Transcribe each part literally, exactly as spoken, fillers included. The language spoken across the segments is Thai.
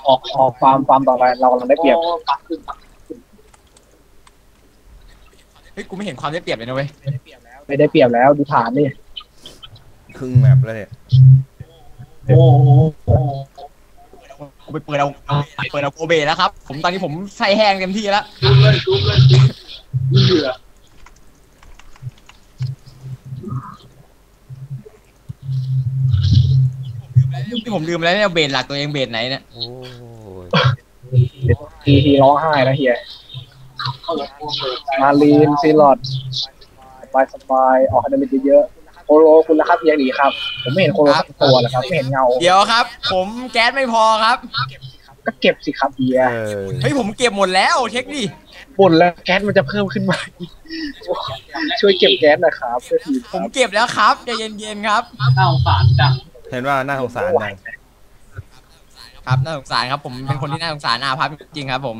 ออกออกฟาร์มฟาร์มต่อไปเรากำลังได้เปรียบเฮ้ยกูไม่เห็นความได้เปรียบเลยนะเว้ยไม่ได้เปรียบแล้วดูฐานนี่ครึ่งแมปแล้วเนี่ยโอ้โหกูไปเปิดเอาเปิดเอาโกเบแล้วครับผมตอนนี้ผมใส่แห้งเต็มที่แล้วที่ผมลืมแล้วเนี่ยเบสหลักตัวเองเบสไหนเนี่ยโอ้ยทีทีร้องไห้นะเฮียมาลีนซีลอดสบายสบายออกคะแนนเยอะโคโลคุณนะครับเฮียดีครับผมไม่เห็นโคโลสักตัวเลยครับไม่เห็นเงาเดี๋ยวครับ ผมแก๊สไม่พอครับก็เก็บสิครับเฮียเฮ้ยผมเก็บหมดแล้วเช็คดิหมดแล้วแก๊สมันจะเพิ่มขึ้นมาช่วยเก็บแก๊สนะครับผมเก็บแล้วครับใจเย็นๆครับน่าสงสารจังเห็นว่าน่าสงสารจังครับน่าสงสารครับผมเป็นคนที่น่าสงสารอาภัพจริงๆครับผม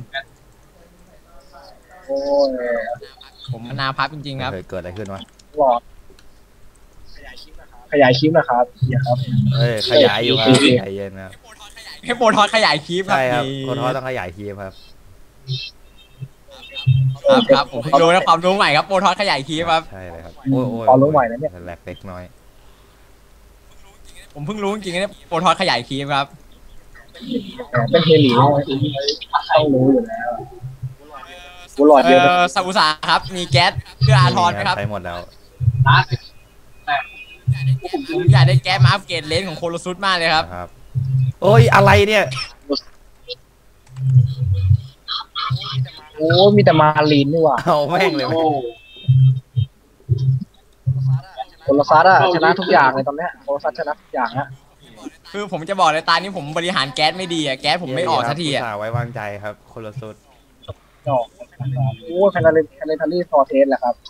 โอ้ยผมนาภัพจริงๆครับเกิดอะไรขึ้นวะหลอดขยายคลิปนะครับเฮียครับเอ้ยขยายอยู่ครับใจเย็นครับให้โปรทอสขยายคลิปครับใช่ครับโปรทอสต้องขยายคลิปครับครับครับผมรู้นะความรู้ใหม่ครับโปรทอสขยายคลิปครับใช่เลยครับโอ้ยความรู้ใหม่นะเนี่ยแหลกเล็กน้อยผมเพิ่งรู้จริงๆเนี่ยโปรทอสขยายคลิปครับเป็นเฮลิต้องรู้อยู่แล้วกูหลอดเดียวซาอุสาครับมีแก๊สเพื่ออาทรไหมครับใช้หมดแล้วผมอยากได้แก๊สมาอัปเกรดเลนของโคโลซุสมากเลยครับโอ้ยอะไรเนี่ยโอ้มีแต่มาลีนนี่ว่ะเอาแม่งเลยโคโลซัสอะชนะทุกอย่างเลยตอนเนี้ยโคโลซัสชนะทุกอย่างฮะคือผมจะบอกเลยตอนนี้ผมบริหารแก๊สไม่ดีอะแก๊สผมไม่ออกสักทีอะไว้วางใจครับโคโลซุสโอ้แพนเลนแพนเลนทารี่ฟอร์เทสแหละครับ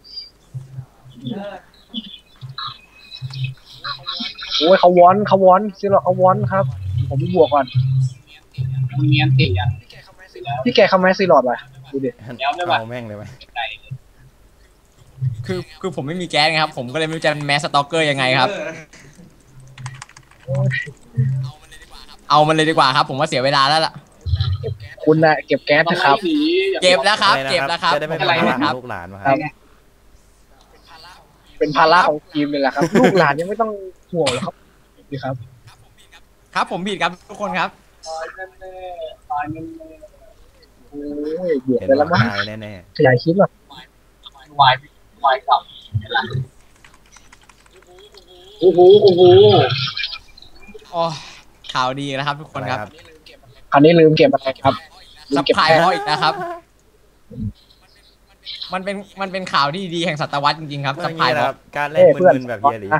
โอ้ยเขาวอนเขาวอนซิลเขาวอนครับผมไปบวกก่อนมันเนียนติอ่ะพี่แกเข้าไหมซีลอดไปดูดิเอาแม่งเลยไหมคือคือผมไม่มีแก๊สไงครับผมก็เลยไม่รู้จะแมสสต็อกเกอร์ยังไงครับเอามันเลยดีกว่าครับผมว่าเสียเวลาแล้วล่ะคุณน่ะเก็บแก๊สนะครับเก็บแล้วครับเก็บแล้วครับจะได้ไม่เป็นภาระลูกหลานมาครับเป็นภาระของทีมเลยแหละครับลูกหลานยังไม่ต้องห่วงหรอกครับดีครับครับผมผิดครับทุกคนครับโอ้ยเบียดไปแล้วมั้งแน่ๆขยายคลิปหรอวายวายกับโอ้โหโอ้โหโอ้ข่าวดีนะครับทุกคนครับอันนี้ลืมเก็บอะไรครับซัพพลายพออีกนะครับมันเป็นมันเป็นข่าวที่ดีแห่งศตวรรษจริงๆครับซัพพลายครับการเล่นมึนๆแบบเยลี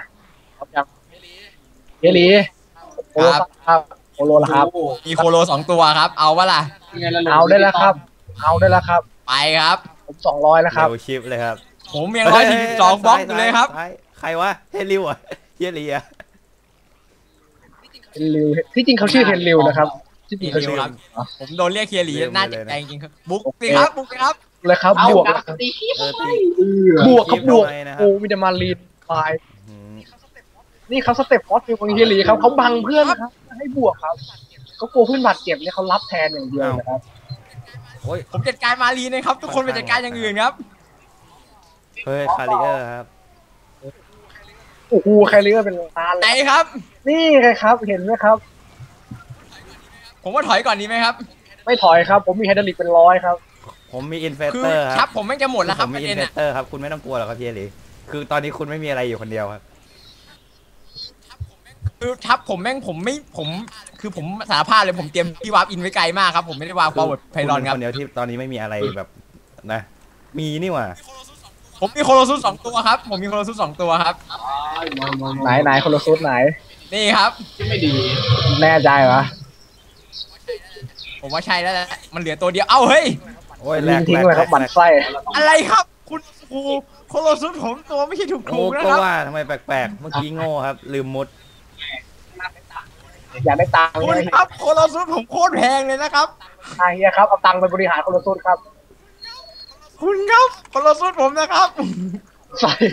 เยลีครับโคโลละครับมีโคโลสองตัวครับเอาวะล่ะเอาได้แล้วครับเอาได้แล้วครับไปครับผมสองร้อยแล้วครับเร็วชิปเลยครับผมยังร้อยสี่สิบสองบล็อกอยู่เลยครับใครวะเฮลิวอ่ะเยลีอ่ะเฮลิวที่จริงเขาชื่อเฮลิวนะครับที่จริงเขาชื่อผมโดนเรียกเฮียหลีน่าจะใจจริงครับบุ๊กสิครับบุ๊กครับเลยครับบวกบวกกับบวกโอ้มีแต่มาลีนไปนี่เขาสเต็ปฟอสฟิลของเฮียหลีครับเขาบังเพื่อนครับให้บวกครับเขากลัวเพื่อนบาดเจ็บเนี่ยเขารับแทนอย่างเดียวนะครับโอ้ยผมจัดการมาลีนะครับทุกคนไปจัดการอย่างอื่นครับเฮ้ยคาริเออร์ครับโอ้โหคาริเออร์เป็นตาไหนครับนี่ไงครับเห็นไหมครับผมว่าถอยก่อนดีไหมครับไม่ถอยครับผมมีไฮดรอลิกเป็นร้อยครับผมมีอินเฟเตอร์ครับผมไม่จะหมดแล้วครับผมมีอินเฟเตอร์ครับคุณไม่ต้องกลัวหรอกครับพี่เอลีคือตอนนี้คุณไม่มีอะไรอยู่คนเดียวครับคือทับผมแม่งผมไม่ผมคือผมสารภาพเลยผมเตรียมที่วาร์ปอินไว้ไกลมากครับผมไม่ได้วาร์ปฟอร์เวิร์ดไพลอนครับคนเดียวที่ตอนนี้ไม่มีอะไรแบบนะมีนี่หว่าผมมีโคโลซุสสองตัวครับผมมีโคโลซุสสองตัวครับไหนไหนโคโลซุสไหนนี่ครับไม่ดีแน่ใจวะผมว่าใช่แล้วมันเหลือตัวเดียวเอ้าเฮ้ยโอ้ยแหลกทิ้งเลยครับบั่นไส้อะไรครับคุณครูโคโลซุสผมตัวไม่ใช่ถูกถูกนะครับก็ว่าทำไมแปลกๆเมื่อกี้โง่ครับลืมมุดอยากได้ตังค์คุณครับโคโลซุสผมโคตรแพงเลยนะครับไอ้เหี้ยครับเอาตังค์ไปบริหารโคโลซุสครับคุณครับโคโลซุสผมนะครับใส่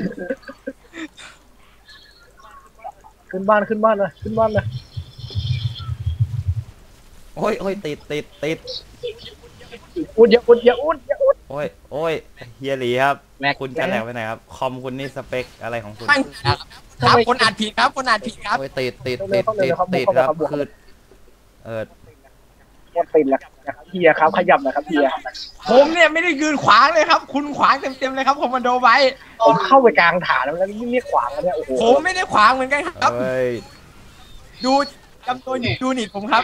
ขึ้นบ้านขึ้นบ้านเลยขึ้นบ้านเลยผโอ้ยโอ้ยติดติดติดอุดอย่าอุดอย่าอุดอย่าอุดโอ้ยโอ้ยเฮียหลีครับแม็กคุณจะแหลกไปไหนครับคอมคุณนี่สเปคอะไรของคุณตั้งครับครับคนอ่านผิดครับคนอ่านผิดครับโอ้ยติดติดติดติดติดครับคือเออหมดติดแล้วนะครับเฮียครับขยับนะครับเฮียผมเนี่ยไม่ได้ยืนขวางเลยครับ คุณขวางเต็มๆเลยครับคอมมานโดไว้ผมเข้าไปกลางฐานแล้วแล้วนี่เรียกขวางแล้วเนี่ยโอ้โหผมไม่ได้ขวางเหมือนกันครับเอ้ยดูจำตัวยูนิตผมครับ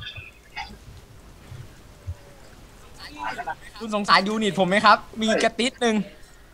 คุณสงสารยูนิตผมไหมครับ มีกระติดหนึ่ง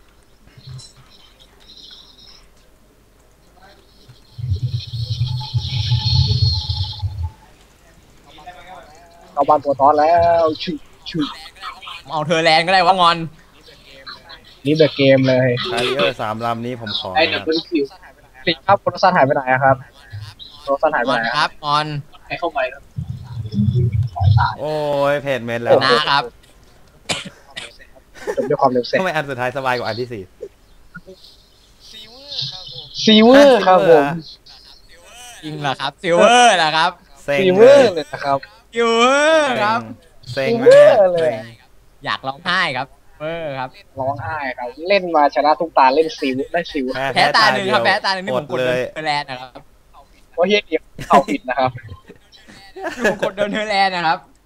เอาบ้านตัวตอนแล้วชุชุเอาเธอแลนด์ก็ได้ว่างอนนี่เดอะเกมเลยคาริเออร์สามลำนี้ผมขอไอ้นะเดอะเบิลคิวสิครับโทรศัพท์หายไปไหนอะครับโทรศัพท์หายไปงอไหนนครับงอนให้เข้าไปครับโอ้ยเพจเมนแล้วนะครับจบด้วยความเร็วเสร็จทำไมอันสุดท้ายสบายกว่าอันที่สี่ซีเวอร์ครับผมจริงเหรอครับซิลเวอร์เหรอครับเซ็งซีเวเลอย ร์เลยนะครับซิลเวอร์ครับเซ็งซิลมาเวอก ร์เลยเซ็งอยากร้องไห้ครับเวอร์ครับร้องไห้ครับ เล่นมาชนะทุกตาเล่นซีวได้ซีวแพ้ตาหนึ่งครับแพ้ตาหนึ่งนี่อผดมกดเลเดินยเธอแลนด์นะครับเพราะเฮียเดียวเข้าผิดนะครับนี่ผมกดเดินเธอแลนด์นะครับ